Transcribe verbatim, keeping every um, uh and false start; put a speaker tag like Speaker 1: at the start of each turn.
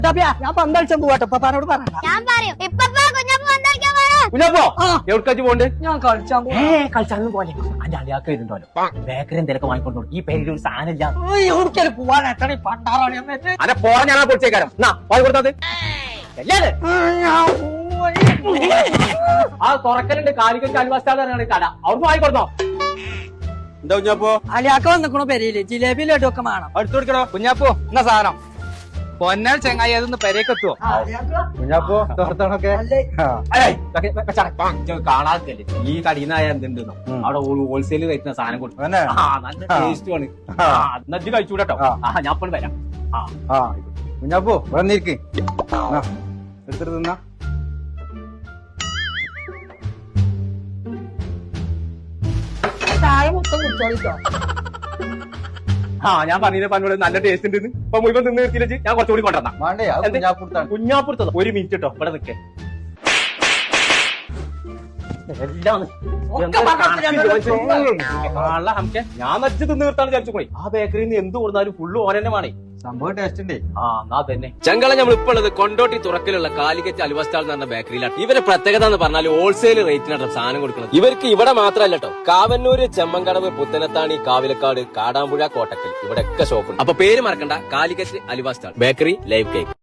Speaker 1: ഞാൻ പന്തളിച്ചാൻ പോവാട്ടോ പപ്പാനോട് പറയണ്ട.
Speaker 2: ഞാൻ പറയും ഇപ്പപ്പാ കുഞ്ഞപ്പ പന്തളിക്കാൻ പോയോ?
Speaker 3: കുഞ്ഞാപ്പോ എവിടേക്കാച്ച് പോണ്ട്?
Speaker 1: ഞാൻ കളിച്ചാൻ
Speaker 3: ഏ കളിച്ചാലും പോലെ അന്റെ അളിയാക്ക് വരുന്നുണ്ടല്ലോ ബേക്കറി എന്തെങ്കിലും വാങ്ങിക്കൊണ്ടു. ഈ പേരിൽ ഒരു സാധനം ഇല്ല.
Speaker 1: എവിടേക്കാലും പോവാൻ എത്ര പണ്ടാറാണ് എന്നിട്ട്
Speaker 3: അതെ പോരാ ഞാൻ പൊളിച്ചേക്കാരം എന്നാ വാങ്ങി കൊടുത്തത് ആ തുറക്കലുണ്ട് കാലിക്കറ്റ് അൽവാസ്റ്റാണ് കട അവിടുന്ന് വാങ്ങിക്കൊടുത്തോ. എന്താ കുഞ്ഞാപ്പോ
Speaker 1: അലിയാക്ക വന്നിക്കണോ പെരയില് ജിലേബി ലഡു ഒക്കെ വേണം.
Speaker 3: അടുത്ത് കൊടുക്കണോ കുഞ്ഞാപ്പോ എന്നാ സാധനം പൊന്നാൽ ചെങ്ങായി അതൊന്ന് പെരേക്കെത്തുവോ കുഞ്ഞാപ്പോ തോർത്തണൊക്കെ കാണാത്തല്ലേ ഈ കടീന്നായ എന്തുണ്ടെന്നോ അവിടെ ഹോൾസെയിൽ കഴിക്കുന്ന സാധനം കൊടുക്കും. നല്ല ടേസ്റ്റ് ആണ്. നജ്ജ് കഴിച്ചൂടട്ടോ. ആ ഞാൻ ഇപ്പോൾ വരാം. ആ കുഞ്ഞാപ്പോ വന്നിരിക്ക് എടുത്തിട്ട് തിന്നാ.
Speaker 1: ചായ മൊത്തം കുടിച്ചോളിട്ടോ.
Speaker 3: ആ ഞാൻ പറഞ്ഞില്ല പന്നോട് നല്ല ടേസ്റ്റ് ഉണ്ട്. ഇപ്പൊ മുഴുവൻ നിന്ന് നിർത്തിയില്ലേ ഞാൻ കുറച്ചുകൂടി കൊണ്ടുവന്നാ കുഞ്ഞാപ്പുറത്തോ. ഒരു മിനിറ്റ് കേട്ടോ ഇവിടെ നിൽക്കേ. എല്ലാം ഞാൻ നച്ച് തിന്ന് നിർത്താൻ വിചാരിച്ചു പോയി. ആ ബേക്കറിയിൽ നിന്ന് എന്ത് കൊടുത്താലും ഫുള്ള് ഓരന്നെ വേണേ. സംഭവം ടേസ്റ്റ് ഉണ്ട്. ആ എന്നാ തന്നെ
Speaker 4: ചെങ്കള നമ്മൾ ഇപ്പോൾ ഉള്ളത് കൊണ്ടോട്ടി തുറക്കിലുള്ള കാലിക്കറ്റ് അൽവസ്റ്റാൾ എന്ന് പറഞ്ഞ ബേക്കറിയിലാണ്. ഇവരെ പ്രത്യേകത എന്ന് പറഞ്ഞാൽ ഹോൾസെയിൽ റേറ്റിനാണ് സാധനം കൊടുക്കുന്നത്. ഇവർക്ക് ഇവിടെ മാത്രമല്ല കേട്ടോ, കാവന്നൂര്, ചെമ്മങ്കടവ്, പുത്തനത്താണി, കാവിലക്കാട്, കാടാമ്പുഴ, കോട്ടക്കൽ ഇവിടെയൊക്കെ ഷോപ്പുണ്ട്. അപ്പൊ പേര് മറക്കണ്ട, കാലിക്കറ്റ് അൽവസ്റ്റാൾ ബേക്കറി ലൈവ് കേക്ക്.